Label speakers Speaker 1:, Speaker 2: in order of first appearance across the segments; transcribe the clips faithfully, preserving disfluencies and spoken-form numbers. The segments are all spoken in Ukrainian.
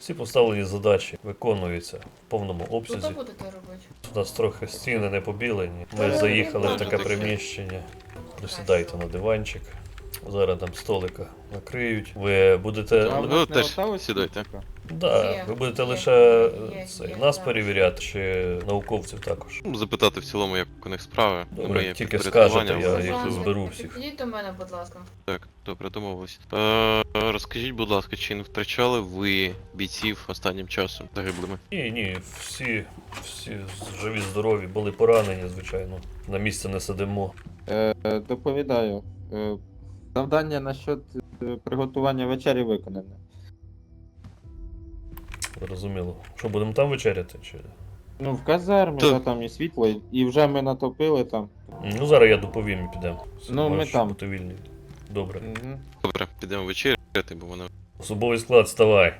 Speaker 1: Всі поставлені задачі виконуються в повному
Speaker 2: Що
Speaker 1: обсязі.
Speaker 2: то будете робити?
Speaker 1: У нас трохи стіни не побілені. Ми
Speaker 2: Та,
Speaker 1: заїхали в
Speaker 2: ну,
Speaker 1: таке
Speaker 2: таке.
Speaker 1: приміщення. Присідайте на диванчик. Зараз там столика накриють. Ви будете.
Speaker 3: А
Speaker 4: ви
Speaker 3: в нас
Speaker 4: теж
Speaker 3: не осталось
Speaker 4: сідайте.
Speaker 3: стільки?
Speaker 1: Да,
Speaker 2: Є,
Speaker 1: ви будете
Speaker 2: є,
Speaker 1: лише
Speaker 2: є,
Speaker 1: це,
Speaker 2: є,
Speaker 1: нас
Speaker 2: так.
Speaker 1: перевіряти чи науковців також.
Speaker 4: Ну, запитати в цілому, як у них справи.
Speaker 1: Добре,
Speaker 4: Моє
Speaker 1: тільки
Speaker 4: підпорядкування,
Speaker 1: скажете, я
Speaker 4: але-
Speaker 1: їх
Speaker 2: Олександр,
Speaker 1: зберу всіх.
Speaker 2: Підійдіть до мене, будь ласка.
Speaker 4: Так, добре, домовились. Е, розкажіть, будь ласка, чи не втрачали ви бійців останнім часом загиблими?
Speaker 1: Ні, ні, всі, всі живі, здорові, були поранені, звичайно. На місце не сидимо.
Speaker 3: Е, е, доповідаю. Е, завдання насчет е, приготування вечері виконане.
Speaker 1: Зрозуміло. Що, будемо там вечеряти? Чи...
Speaker 3: Ну, в казармі,
Speaker 4: Так.
Speaker 3: да, там є світло, і вже ми натопили там.
Speaker 1: Ну, зараз я доповім і підемо.
Speaker 3: Ну, ми
Speaker 1: Можеш
Speaker 3: там.
Speaker 1: бути вільний. Добре.
Speaker 3: Угу.
Speaker 4: Добре, підемо вечеряти, бо вона.
Speaker 1: Особовий склад, вставай.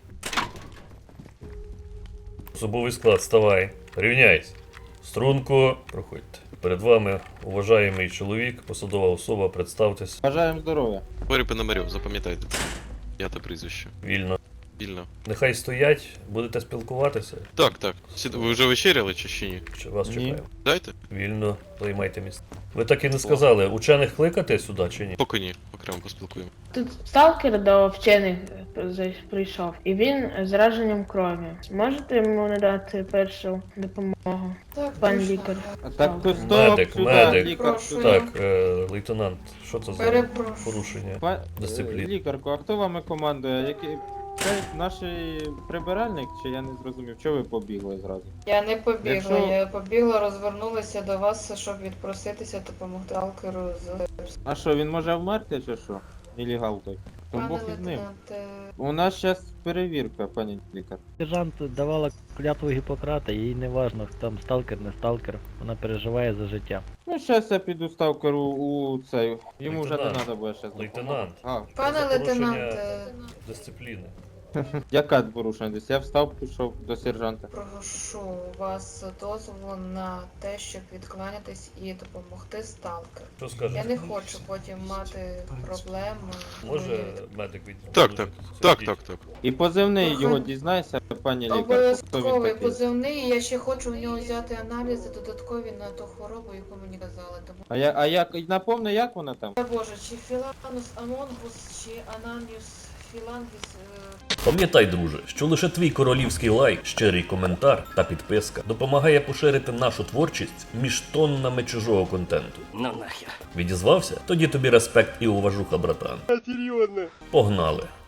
Speaker 1: Особовий склад, вставай. Рівняйся. Струнку, проходьте. Перед вами уважаємий чоловік, посадова особа, представтесь.
Speaker 3: Бажаємо здоров'я.
Speaker 4: Борі Пономарьов, запам'ятайте. Я та прізвище.
Speaker 1: Вільно.
Speaker 4: Вільно.
Speaker 1: Нехай стоять, будете спілкуватися.
Speaker 4: Так, так. Сід... Ви вже вечеряли чи ще ні?
Speaker 1: Чи вас
Speaker 3: Ні.
Speaker 1: чекаємо?
Speaker 4: Дайте?
Speaker 1: Вільно, займайте місце. Ви так і не сказали, учених кликати сюди чи ні?
Speaker 4: Поки ні, окремо поспілкуємо.
Speaker 5: Тут сталкер до вчених зай- прийшов, і він з раженням крові. Можете йому надати першу допомогу?
Speaker 2: Так,
Speaker 5: Пан
Speaker 2: точно.
Speaker 5: лікар.
Speaker 3: А так то стоп,
Speaker 1: Медик,
Speaker 3: сюди,
Speaker 1: медик.
Speaker 3: лікар,
Speaker 2: Прошу.
Speaker 3: сюди.
Speaker 1: Так, е, лейтенант, що це за
Speaker 2: Перепрошую.
Speaker 1: порушення?
Speaker 3: Па-
Speaker 1: Дисципліна.
Speaker 3: е, Лікарку, а хто вами командує? Який... Це наш прибиральник, чи я не зрозумів? Чого ви побігли зразу?
Speaker 2: Я не побігла,
Speaker 3: Якщо-
Speaker 2: я побігла, розвернулася до вас, щоб відпроситися, допомогти Алкеру з...
Speaker 3: А що, він може вмерти чи що? Нелегал той. То
Speaker 2: Пане
Speaker 3: Бог із ним.
Speaker 2: лейтенанте,
Speaker 3: У нас зараз перевірка, пані лікар.
Speaker 6: Сержант давала клятву Гіппократа, їй не важно, там сталкер, не сталкер, вона переживає за життя.
Speaker 3: Ну, зараз я піду сталкеру у цей. Йому вже не
Speaker 1: Лейтенант.
Speaker 3: треба буде зараз.
Speaker 1: Лейтенант.
Speaker 3: А,
Speaker 2: пане
Speaker 1: за порушення-
Speaker 2: лейтенанте,
Speaker 1: Дисципліни.
Speaker 3: яка порушення десь? Я встав, пішов до сержанта.
Speaker 2: прошу вас дозволу на те, щоб відкланятись і допомогти сталкеру.
Speaker 1: Що
Speaker 2: Я
Speaker 1: скажете?
Speaker 2: не хочу потім мати проблеми.
Speaker 1: Може медик від...
Speaker 4: Так, так. Так, так, так.
Speaker 3: І позивний
Speaker 2: Ага.
Speaker 3: його дізнайся, пані лікар. Хто він
Speaker 2: Обов'язковий
Speaker 3: такий?
Speaker 2: позивний, я ще хочу у нього взяти аналізи додаткові на ту хворобу, яку мені казали. Тому
Speaker 3: А я, а як, напомни, як вона там?
Speaker 2: Та Боже, чи Філанус Амонгус, чи Ананіус Філангіс. е,
Speaker 1: Пам'ятай, друже, що лише твій королівський лайк, щирий коментар та підписка допомагає поширити нашу творчість між тоннами чужого контенту.
Speaker 7: Ну нахер.
Speaker 1: Відізвався? Тоді тобі респект і уважуха, братан. Серйозно? Погнали.